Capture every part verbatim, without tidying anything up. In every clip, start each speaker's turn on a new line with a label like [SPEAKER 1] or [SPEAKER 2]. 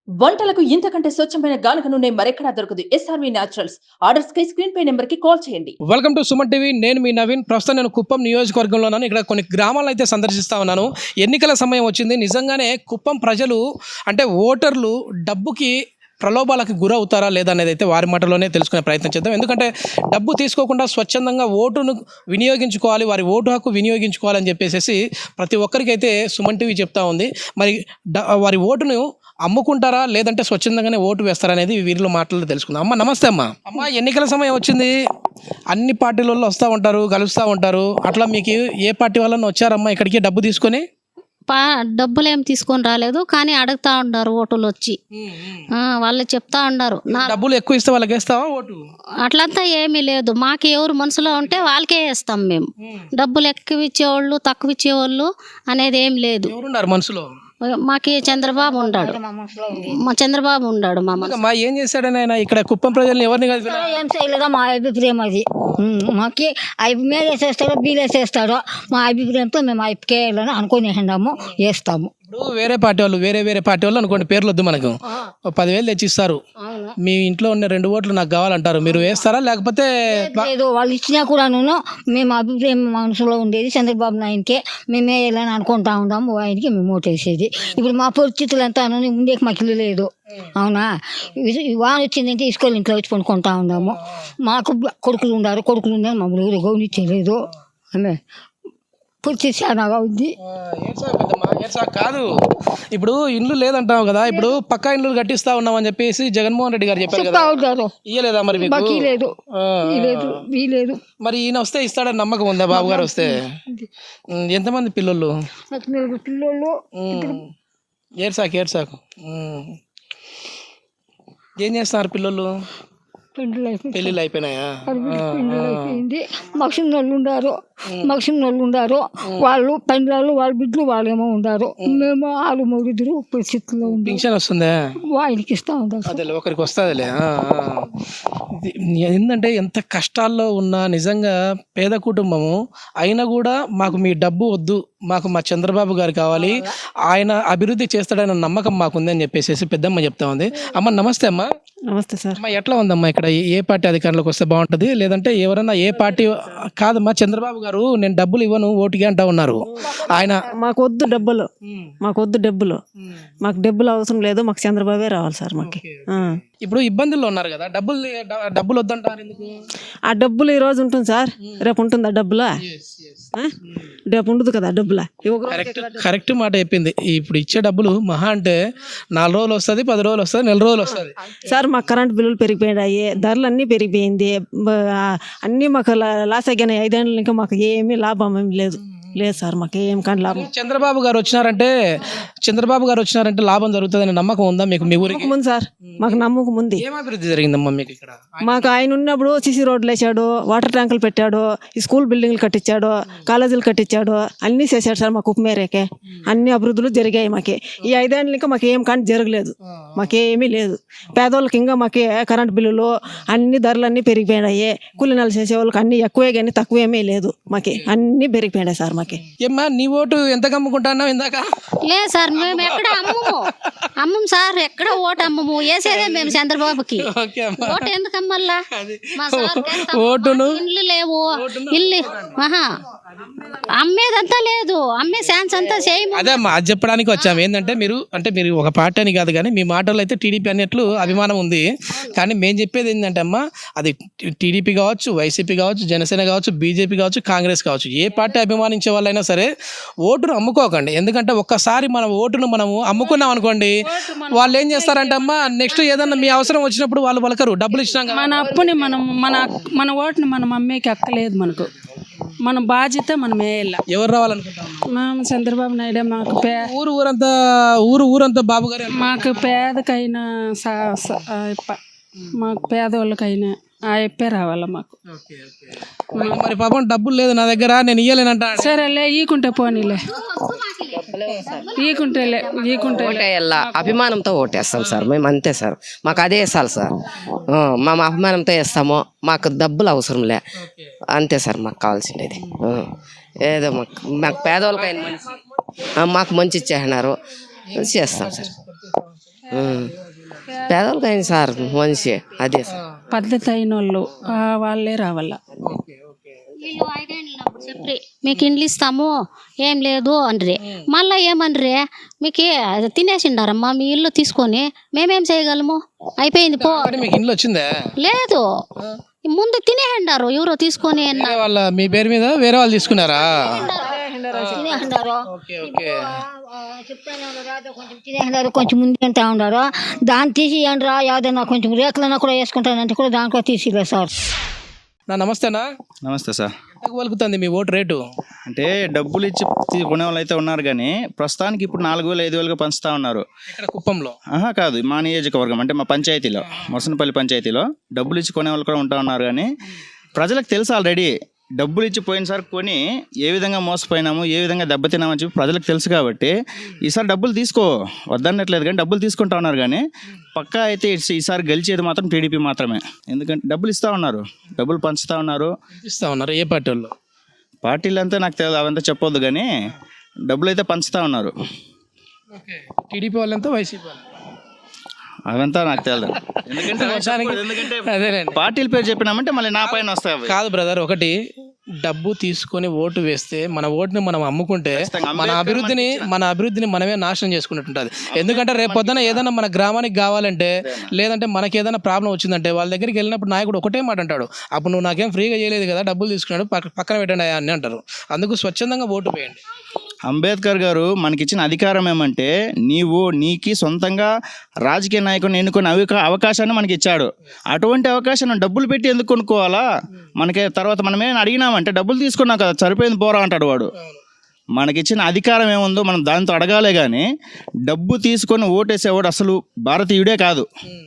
[SPEAKER 1] వంటలకు ఇంతకంటే స్వచ్ఛమైన గానుగ నూనె మరెక్కడా దొరకదు. SRV Naturals. ఆర్డర్స్ కై స్క్రీన్ పై నెంబర్ కి కాల్ చేయండి.
[SPEAKER 2] Welcome to Suman TV. నేను మీ నవీన్. ప్రస్తుతం నేను కుప్పం నియోజకవర్గంలో ఉన్నాను. ఇక్కడ కొన్ని గ్రామాలను అయితే సందర్శిస్తా ఉన్నాను. ఎన్నికల సమయం వచ్చింది. నిజంగానే కుప్పం ప్రజలు అంటే ఓటర్లు డబ్బుకి ప్రలోభాలకు గురవుతారా లేదా అనేది అయితే వారి మాటలోనే తెలుసుకునే ప్రయత్నం చేద్దాం. ఎందుకంటే డబ్బు తీసుకోకుండా స్వచ్ఛందంగా ఓటును వినియోగించుకోవాలి, వారి ఓటు హక్కు వినియోగించుకోవాలని చెప్పేసి ప్రతి ఒక్కరికైతే సుమన్ టీవీ చెప్తా ఉంది. మరి వారి ఓటును అమ్ముకుంటారా లేదంటే స్వచ్ఛందంగానే ఓటు వేస్తారా అనేది వీరిలో మాటలు తెలుసుకుందాం. అమ్మ నమస్తే. అమ్మ అమ్మ ఎన్నికల సమయం వచ్చింది. అన్ని పార్టీల వాళ్ళు వస్తూ ఉంటారు, కలుస్తూ ఉంటారు. అట్లా మీకు ఏ పార్టీ వాళ్ళని వచ్చారమ్మా ఇక్కడికి డబ్బు తీసుకొని?
[SPEAKER 3] పా డబ్బులు ఏం తీసుకొని రాలేదు, కానీ అడుగుతా ఉన్నారు ఓటులు వచ్చి. వాళ్ళు చెప్తా ఉన్నారు నా
[SPEAKER 2] డబ్బులు ఎక్కువ ఇస్తే వాళ్ళకి వేస్తావా ఓటు?
[SPEAKER 3] అట్లంతా ఏమీ లేదు. మాకు ఎవరు మనసులో ఉంటే వాళ్ళకే వేస్తాం మేము. డబ్బులు ఎక్కువ ఇచ్చేవాళ్ళు తక్కువ ఇచ్చేవాళ్ళు అనేది ఏం లేదు.
[SPEAKER 2] ఎవరున్నారు మనసులో?
[SPEAKER 3] మాకి చంద్రబాబు ఉన్నాడు. మా చంద్రబాబు ఉన్నాడు. మా
[SPEAKER 2] మా ఏం చేశాడని ఆయన ఇక్కడ కుప్పం ప్రజల్ని ఎవరిని కాదు
[SPEAKER 4] ఏం చేయలేదా మా అభిప్రాయం అది. మాకి ఐపీ మీద వేసేస్తాడో బీలు వేసేస్తాడో మా అభిప్రాయంతో మేము ఐపీకే వేయాలని అనుకుని వేసినాము, వేస్తాము.
[SPEAKER 2] ఇప్పుడు వేరే పార్టీ వాళ్ళు వేరే వేరే పార్టీ వాళ్ళు అనుకోండి, పేర్లు వద్దు మనకు, పదివేలు తెచ్చిస్తారు. మీ ఇంట్లో ఉన్న రెండు ఓట్లు నాకు కావాలంటారు, మీరు వేస్తారా లేకపోతే?
[SPEAKER 4] లేదు, వాళ్ళు ఇచ్చినా కూడా మేము అభిప్రాయం మనసులో ఉండేది చంద్రబాబు నాయుడికే మేమే వేయాలని అనుకుంటా ఉన్నాము. ఆయనకి మేము ఓటేసేది. ఇప్పుడు మా పరిస్థితులు అంతా ముందే మాకు ఇల్లు లేదు, అవునా. వాన వచ్చిందంటే ఇసుకలు ఇంట్లో వచ్చి కొనుక్కుంటా ఉన్నాము. మాకు కొడుకులు ఉన్నారు, కొడుకులు ఉన్నారు, మమ్మల్ని ఎవరు గౌనించలేదు. ఆమె పూర్తి చాలాగా ఉంది.
[SPEAKER 2] కాదు, ఇప్పుడు ఇల్లు లేదంటావు కదా, ఇప్పుడు పక్కా ఇల్లు కట్టిస్తా ఉన్నాం అని చెప్పేసి జగన్మోహన్ రెడ్డి గారు చెప్పారు కదా, ఇయ్యలేదా మరి మీకు?
[SPEAKER 4] లేదు, లేదు.
[SPEAKER 2] మరి ఈయన వస్తే ఇస్తాడని నమ్మకం ఉందా? బాబు గారు వస్తే ఎంతమంది పిల్లలు?
[SPEAKER 4] పిల్లలు
[SPEAKER 2] ఏడ్సాకు ఏడ్సాకు ఏం చేస్తున్నారు పిల్లలు? పెళ్ళిళ్ళు అయిపోయినాయా?
[SPEAKER 4] అయిపోయింది. మగసిన వాళ్ళు ఉండారు, మగసిన వాళ్ళు ఉండారు. వాళ్ళు పెండ్లాలు వాళ్ళ బిడ్డలు వాళ్ళేమో ఉండారు. మేము ఆరు మూడు పరిస్థితుల్లో ఉంది.
[SPEAKER 2] పింఛన్ వస్తుందా?
[SPEAKER 4] ఆయనకి ఇస్తా ఉంటారు.
[SPEAKER 2] అదే ఒకరికి వస్తుందిలే. ఏంటంటే ఎంత కష్టాల్లో ఉన్నా నిజంగా పేద కుటుంబము అయినా కూడా మాకు మీ డబ్బు వద్దు, మాకు మా చంద్రబాబు గారు కావాలి, ఆయన అభివృద్ధి చేస్తాడన్న నమ్మకం మాకుంది అని చెప్పేసి పెద్దమ్మ చెప్తా ఉంది. అమ్మ నమస్తే. అమ్మ
[SPEAKER 5] నమస్తే సార్.
[SPEAKER 2] అమ్మ ఎట్లా ఉందమ్మా ఇక్కడ? ఏ పార్టీ అధికారంలోకి వస్తే బాగుంటుంది, లేదంటే ఎవరన్నా ఏ పార్టీ? కాదమ్మా, చంద్రబాబు గారు నేను డబ్బులు ఇవ్వను ఓటుకి అంటా ఉన్నారు. ఆయన
[SPEAKER 5] మాకు వద్దు డబ్బులు, మాకు వద్దు డబ్బులు, మాకు డబ్బులు అవసరం లేదు, మాకు చంద్రబాబే రావాలి సార్. మాకు
[SPEAKER 2] ఇప్పుడు ఇబ్బందుల్లో ఉన్నారు కదా, డబ్బులు డబ్బులు వద్దంటారు ఎందుకు?
[SPEAKER 5] ఆ డబ్బులు ఈ రోజు ఉంటుంది సార్, రేపు ఉంటుందా డబ్బులా? రేపు ఉండదు కదా డబ్బులా.
[SPEAKER 2] కరెక్ట్ కరెక్ట్ మాట చెప్పింది. ఇప్పుడు ఇచ్చే డబ్బులు మహా అంటే నాలుగు రోజులు వస్తుంది, పది రోజులు వస్తుంది, నెల రోజులు వస్తుంది
[SPEAKER 5] సార్. మాకు కరెంట్ బిల్లులు పెరిగిపోయినాయి, ధరలు అన్నీ పెరిగిపోయింది, అన్నీ మాకు లాస్ అయినాయి. ఐదేళ్ళు ఇంకా మాకు ఏమీ లాభం ఏమి లేదు లేదు సార్, మాకు ఏం కానీ లాభం.
[SPEAKER 2] చంద్రబాబు గారు వచ్చినారంటే చంద్రబాబు గారు వచ్చినారంటే లాభం జరుగుతుందని నమ్మకం ఉందా మీకు? మీ ఊరికి
[SPEAKER 5] ముందు సార్ మాకు నమ్మకం ఉంది.
[SPEAKER 2] ఏం అభివృద్ధి జరిగిందమ్మా మీకు ఇక్కడ?
[SPEAKER 5] మాకు ఆయన ఉన్నప్పుడు సిసి రోడ్లు వేసాడు, వాటర్ ట్యాంకులు పెట్టాడు, ఈ స్కూల్ బిల్డింగ్లు కట్టించాడు, కాలేజీలు కట్టించాడు, అన్నీ చేశాడు సార్. మాకు ఉప్మేరేకే అన్ని అభివృద్ధులు జరిగాయి. మాకు ఈ ఐదేళ్ళు ఇంకా మాకు ఏం కానీ జరగలేదు, మాకేమీ లేదు. పేదోళ్ళకి ఇంకా మాకు కరెంట్ బిల్లులు అన్ని ధరలన్నీ పెరిగిపోయినాయి. కూలీనాలు చేసే వాళ్ళకి అన్ని ఎక్కువే కానీ తక్కువేమీ లేదు, మాకు అన్ని పెరిగిపోయినాయి సార్. మాకు
[SPEAKER 2] ఏమ్మా నీ ఓటు ఎంత కమ్ముకుంటున్నావు ఇందాక?
[SPEAKER 3] లేదు సార్, మేము ఎక్కడ అమ్మము అమ్మం సార్, ఎక్కడ ఓటు అమ్మము, వేసేదే మేము చంద్రబాబుకి. ఓటు ఎందుకు అమ్మల్లా?
[SPEAKER 2] ఓటును
[SPEAKER 3] ఇల్లు లేవు, ఇల్లు ఆహా అమ్మేదంతా లేదు, అమ్మే ఛాన్స్ అంతా చేయము.
[SPEAKER 2] అదే అమ్మా, అది చెప్పడానికి వచ్చాము. ఏంటంటే మీరు అంటే మీరు ఒక పార్టీ అని కాదు కానీ మీ మాటల్లో అయితే టీడీపీ అన్నట్లు అభిమానం ఉంది. కానీ మేము చెప్పేది ఏంటంటే అమ్మా, అది టీడీపీ కావచ్చు, వైసీపీ కావచ్చు, జనసేన కావచ్చు, బీజేపీ కావచ్చు, కాంగ్రెస్ కావచ్చు, ఏ పార్టీ అభిమానించే వాళ్ళైనా సరే ఓటును అమ్ముకోకండి. ఎందుకంటే ఒక్కసారి మనం ఓటును మనము అమ్ముకున్నాం అనుకోండి, వాళ్ళు ఏం చేస్తారంటే అమ్మా నెక్స్ట్ ఏదన్నా మీ అవసరం వచ్చినప్పుడు వాళ్ళు పలకరు. డబ్బులు ఇచ్చినాం
[SPEAKER 6] మన అప్పుని మనం మన మన ఓటుని మనం అమ్మేకి అక్కలేదు. మనకు మన బాధ్యత మనం వేయాల.
[SPEAKER 2] ఎవరు రావాలనుకుంటాం?
[SPEAKER 6] మనం చంద్రబాబు నాయుడు. మాకు పే
[SPEAKER 2] ఊరు ఊరంతా ఊరు ఊరంతా బాబు గారు.
[SPEAKER 6] మాకు పేదకైనా మాకు పేదవాళ్ళకైనా ఆ ఎప్పే రావాలా మాకు.
[SPEAKER 2] మరి పాపం డబ్బులు లేదు నా దగ్గర, నేను ఇయ్యలేనంట.
[SPEAKER 6] సరేలే ఈకుంటే పోనీలే, ఈకుంటేలే ఈకుంటే
[SPEAKER 7] ఓటేయాల అభిమానంతో ఓటేస్తాం సార్ మేము, అంతే సార్. మాకు అదే వేసాలి సార్, మా అభిమానంతో వేస్తాము. మాకు డబ్బులు అవసరం లే, అంతే సార్ మాకు కావాల్సిండేది. ఏదో మాకు మాకు పేదవాళ్ళకైనా మంచి మాకు మంచి ఇచ్చేసినారు, చేస్తాం సార్. ఉం. పేదవాళ్ళకి అయింది సార్ మనిషి అదే సార్.
[SPEAKER 6] పద్ధతి అయిన వాళ్ళు ఆ వాళ్ళే రావాల.
[SPEAKER 3] వీళ్ళు ఐదేళ్ళు ఉన్నప్పుడు చెప్పి మీకు ఇండ్లు ఇస్తాము ఏం లేదు అనరి, మళ్ళీ ఏమనరి మీకు తినేసిండారమ్మా మీ ఇల్లు తీసుకొని మేమేం చేయగలము, అయిపోయింది పో.
[SPEAKER 2] అంటే మీకు ఇంట్లో వచ్చిందా?
[SPEAKER 3] లేదు, ముందు తినేసిండారు ఎవరో తీసుకొని.
[SPEAKER 2] వేరే వాళ్ళ మీ పేరు మీద వేరే వాళ్ళు తీసుకున్నారా?
[SPEAKER 4] తినేసినారు
[SPEAKER 2] ఓకే ఓకే.
[SPEAKER 4] చెప్తానే ఉన్నారు, కొంచెం తినేసినారు, కొంచెం ముందు తింటా ఉన్నారు. దాన్ని తీసి ఏంట్రా యాదన్నా కొంచెం రేట్లన్నా కూడా వేసుకుంటానంటే కూడా దాంట్లో తీసిలేదు సార్.
[SPEAKER 2] నా నమస్తేనా.
[SPEAKER 8] నమస్తే సార్.
[SPEAKER 2] ఎంతకు పలుకుతుంది మీ ఓటు రేటు?
[SPEAKER 8] అంటే డబ్బులు ఇచ్చి తీ- కొనే వాళ్ళు అయితే ఉన్నారు కానీ ప్రస్తుతానికి ఇప్పుడు నాలుగు వేలు ఐదు వేలుగా పంచుతా ఉన్నారు.
[SPEAKER 2] ఇక్కడ కుప్పంలో?
[SPEAKER 8] ఆహా కాదు, మా నియోజకవర్గం అంటే మా పంచాయతీలో, మొసనపల్లి పంచాయతీలో డబ్బులు ఇచ్చి కొనే వాళ్ళు కూడా ఉంటా ఉన్నారు. కానీ ప్రజలకు తెలుసు ఆల్రెడీ డబ్బులు ఇచ్చి పోయినసారి కొని ఏ విధంగా మోసపోయినాము, ఏ విధంగా దెబ్బతిన్నామని చెప్పి ప్రజలకు తెలుసు కాబట్టి ఈసారి డబ్బులు తీసుకో వద్దన్నట్లేదు, కానీ డబ్బులు తీసుకుంటా ఉన్నారు. కానీ పక్కా అయితే ఈస- ఈసారి గెలిచేది మాత్రం టీడీపీ మాత్రమే. ఎందుకంటే డబ్బులు ఇస్తూ ఉన్నారు, డబ్బులు పంచుతూ ఉన్నారు.
[SPEAKER 2] ఇస్తా ఉన్నారు. ఏ పార్టీ వాళ్ళు?
[SPEAKER 8] పార్టీలు అంతా నాకు తెలియదు, అవంతా చెప్పొద్దు, కానీ డబ్బులు అయితే పంచుతూ ఉన్నారు.
[SPEAKER 2] టీడీపీ వాళ్ళంతా వైసీపీ వాళ్ళు?
[SPEAKER 8] అవంతా నాకు తెలియదు. ఎందుకంటే నేను చెప్పకూడదు. ఎందుకంటే
[SPEAKER 2] అదేలేండి.
[SPEAKER 8] పార్టీల పేరు చెప్పినామంటే మళ్ళీ నా పైన వస్తాయి అవి.
[SPEAKER 2] కాదు బ్రదర్, ఒకటి డబ్బు తీసుకొని ఓటు వేస్తే మన ఓటుని మనం అమ్ముకుంటే మన అభివృద్ధిని మన అభివృద్ధిని మనమే నాశనం చేసుకున్నట్టుంటుంది. ఎందుకంటే రేపు పొద్దున ఏదైనా మన గ్రామానికి కావాలంటే, లేదంటే మనకి ఏదైనా ప్రాబ్లం వచ్చిందంటే వాళ్ళ దగ్గరికి వెళ్ళినప్పుడు నాయకుడు ఒకటే మాట అంటాడు, అప్పుడు నువ్వు నాకేం ఫ్రీగా చేయలేదు కదా, డబ్బులు తీసుకున్నాడు, పక్క పక్కన పెట్టండి అని అంటారు. అందుకు స్వచ్ఛందంగా ఓటు వేయండి.
[SPEAKER 8] అంబేద్కర్ గారు మనకిచ్చిన అధికారం ఏమంటే నీవు నీకి సొంతంగా రాజకీయ నాయకుని ఎన్నుకునే అవకా అవకాశాన్ని మనకి ఇచ్చాడు. అటువంటి అవకాశాన్ని డబ్బులు పెట్టి ఎందుకు కొనుక్కోవాలా? మనకి తర్వాత మనమేమైనా అడిగినామంటే డబ్బులు తీసుకున్నాం కదా, సరిపోయింది పోరా అంటాడు వాడు. మనకిచ్చిన అధికారం ఏముందో మనం దాంతో అడగాలే, కానీ డబ్బు తీసుకొని ఓటేసేవాడు అసలు భారతీయుడే కాదు.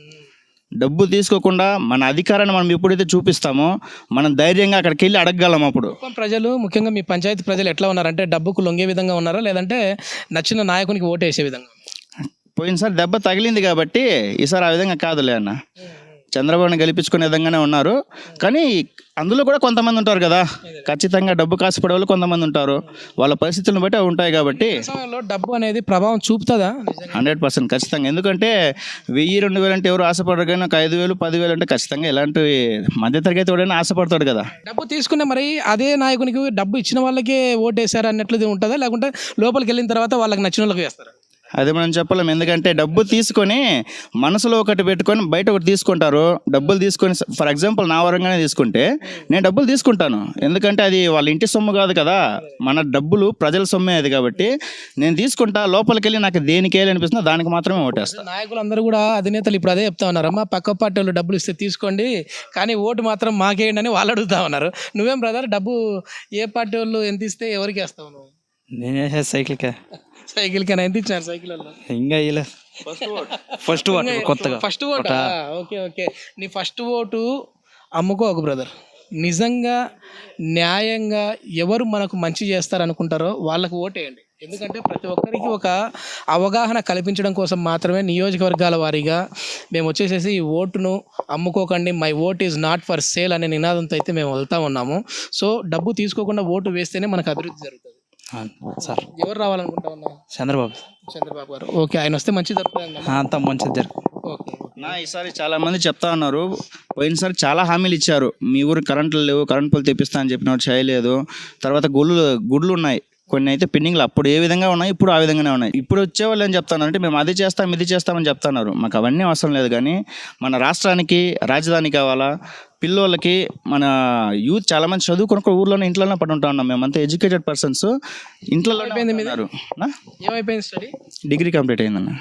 [SPEAKER 8] డబ్బు తీసుకోకుండా మన అధికారాన్ని మనం ఎప్పుడైతే చూపిస్తామో మనం ధైర్యంగా అక్కడికి వెళ్ళి అడగగలం. అప్పుడు
[SPEAKER 2] కుప్పం ప్రజలు, ముఖ్యంగా మీ పంచాయతీ ప్రజలు ఎట్లా ఉన్నారంటే డబ్బుకు లొంగే విధంగా ఉన్నారా, లేదంటే నచ్చిన నాయకునికి ఓటు వేసే విధంగా?
[SPEAKER 8] పోయినసారి దెబ్బ తగిలింది కాబట్టి ఈసారి ఆ విధంగా కాదులే అన్న, చంద్రబాబుని గెలిపించుకునే విధంగానే ఉన్నారు. కానీ అందులో కూడా కొంతమంది ఉంటారు కదా, ఖచ్చితంగా డబ్బు కాసిపడే వాళ్ళు కొంతమంది ఉంటారు, వాళ్ళ పరిస్థితులను బట్టి అవి ఉంటాయి. కాబట్టి
[SPEAKER 2] సమయంలో డబ్బు అనేది ప్రభావం చూపుతుందా?
[SPEAKER 8] హండ్రెడ్ పర్సెంట్ ఖచ్చితంగా. ఎందుకంటే వెయ్యి రెండు వేలు అంటే ఎవరు ఆశపడరు, కానీ ఒక ఐదు వేలు పదివేలు అంటే ఖచ్చితంగా ఇలాంటి మధ్యతరగతి వాడైనా ఆశపడతాడు కదా.
[SPEAKER 2] డబ్బు తీసుకునే మరి అదే నాయకునికి డబ్బు ఇచ్చిన వాళ్ళకే ఓటు వేసారు అన్నట్లుది ఉంటుందా, లేకుంటే లోపలికి వెళ్ళిన తర్వాత వాళ్ళకి నచ్చిన వాళ్ళకి వేస్తారా?
[SPEAKER 8] అది మనం చెప్పలేం. ఎందుకంటే డబ్బు తీసుకొని మనసులో ఒకటి పెట్టుకొని బయట ఒకటి తీసుకుంటారు. డబ్బులు తీసుకొని ఫర్ ఎగ్జాంపుల్ నా వరంగానే తీసుకుంటే నేను డబ్బులు తీసుకుంటాను, ఎందుకంటే అది వాళ్ళ ఇంటి సొమ్ము కాదు కదా, మన డబ్బులు ప్రజల సొమ్మే అది. కాబట్టి నేను తీసుకుంటా, లోపలికి వెళ్ళి నాకు దేనికి వేయాలి అనిపిస్తుందో దానికి మాత్రమే ఓటేస్తాను.
[SPEAKER 2] నాయకులు అందరూ కూడా, అధినేతలు ఇప్పుడు అదే చెప్తా ఉన్నారు, అమ్మా పక్క పార్టీ వాళ్ళు డబ్బులు ఇస్తే తీసుకోండి కానీ ఓటు మాత్రం మాకేయండి అని వాళ్ళు అడుగుతా ఉన్నారు. నువ్వేం బ్రదర్, డబ్బు ఏ పార్టీ వాళ్ళు ఎంత ఇస్తే ఎవరికి వేస్తావు నువ్వు?
[SPEAKER 9] నేనే సైకిల్కే
[SPEAKER 2] సైకిల్ కన్నా ఎంత ఇచ్చినారు? సైకిల్ వల్ల
[SPEAKER 9] ఇంకా ఇలా ఫస్ట్ కొత్తగా
[SPEAKER 2] ఫస్ట్ ఓటు. ఓకే ఓకే, నీ ఫస్ట్ ఓటు అమ్ముకోకు బ్రదర్. నిజంగా న్యాయంగా ఎవరు మనకు మంచి చేస్తారనుకుంటారో వాళ్ళకు ఓటేయండి. ఎందుకంటే ప్రతి ఒక్కరికి ఒక అవగాహన కల్పించడం కోసం మాత్రమే నియోజకవర్గాల వారీగా మేము వచ్చేసేసి ఈ ఓటును అమ్ముకోకండి, my vote is not for sale అనే నినాదంతో అయితే మేము వెళ్తా ఉన్నాము. సో డబ్బు తీసుకోకుండా ఓటు వేస్తేనే మనకు అభివృద్ధి జరుగుతుంది.
[SPEAKER 9] సార్
[SPEAKER 2] ఎవరు రావాలనుకుంటా ఉన్నా?
[SPEAKER 9] చంద్రబాబు
[SPEAKER 2] చంద్రబాబు గారు. ఓకే, ఆయన వస్తే మంచి జరుగుతుంది.
[SPEAKER 9] అంతా మంచిది జరుగు.
[SPEAKER 2] ఓకే,
[SPEAKER 8] నా ఈసారి చాలా మంది చెప్తా ఉన్నారు, పోయినసారి చాలా హామీలు ఇచ్చారు, మీ ఊరు కరెంట్లు లేవు, కరెంట్ పోలు తెప్పిస్తా అని చెప్పినట్టు చేయలేదు. తర్వాత గుళ్ళు గుడ్లు ఉన్నాయి, కొన్ని అయితే పెండింగ్లు అప్పుడు ఏ విధంగా ఉన్నాయి ఇప్పుడు ఆ విధంగానే ఉన్నాయి. ఇప్పుడు వచ్చేవాళ్ళు ఏం చెప్తున్నారు అంటే మేము అది చేస్తాం ఇది చేస్తామని చెప్తున్నారు. మాకు అవన్నీ అవసరం లేదు, కానీ మన రాష్ట్రానికి రాజధాని కావాలా, పిల్లోళ్ళకి మన యూత్ చాలా మంది చదువుకుని ఒక ఊర్లోనే ఇంట్లోనే పడి ఉంటా ఉన్నాం. మేమంతా ఎడ్యుకేటెడ్ పర్సన్స్, ఇంట్లో ఉన్నారు.
[SPEAKER 2] ఏమైపోయింది స్టడీ?
[SPEAKER 8] డిగ్రీ కంప్లీట్ అయిందన్న.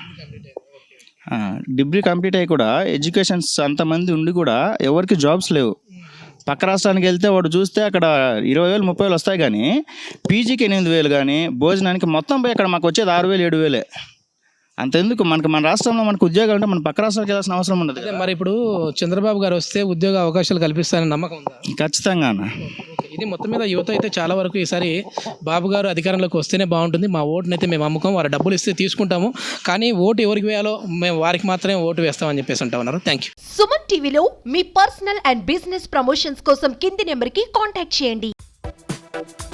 [SPEAKER 8] డిగ్రీ కంప్లీట్ అయ్యి కూడా ఎడ్యుకేషన్స్ అంతమంది ఉండి కూడా ఎవరికి జాబ్స్ లేవు. పక్క రాష్ట్రానికి వెళ్తే వాడు చూస్తే అక్కడ ఇరవై వేలు ముప్పై వేలు వస్తాయి, కానీ పీజీకి ఎనిమిది వేలు కానీ భోజనానికి మొత్తం పోయి అక్కడ మాకు వచ్చేది ఆరు వేలు ఏడు వేలే. అంతెందుకు, మనకు మన రాష్ట్రంలో మనకు ఉద్యోగాలు ఉంటే మన పక్క రాష్ట్రాలకు వెళ్ళాల్సిన అవసరం ఉండదు.
[SPEAKER 2] మరి ఇప్పుడు చంద్రబాబు గారు వస్తే ఉద్యోగ అవకాశాలు కల్పిస్తారని నమ్మకం ఉందా?
[SPEAKER 8] ఖచ్చితంగా.
[SPEAKER 2] ఇది మొత్తం మీద యువత అయితే చాలా వరకు ఈసారి బాబు గారు అధికారంలోకి వస్తేనే బాగుంటుంది, మా ఓటుని అయితే మేము అమ్ముకోం, వారు డబ్బులు ఇస్తే తీసుకుంటాము, కానీ ఓటు ఎవరికి వేయాలో మేము వారికి మాత్రమే ఓటు వేస్తామని చెప్పేసి అంటా ఉన్నారు. Thank you.
[SPEAKER 10] సుమన్ టీవీలో మీ పర్సనల్ అండ్ బిజినెస్ ప్రమోషన్స్ కోసం కింది నెంబర్కి కాంటాక్ట్ చేయండి.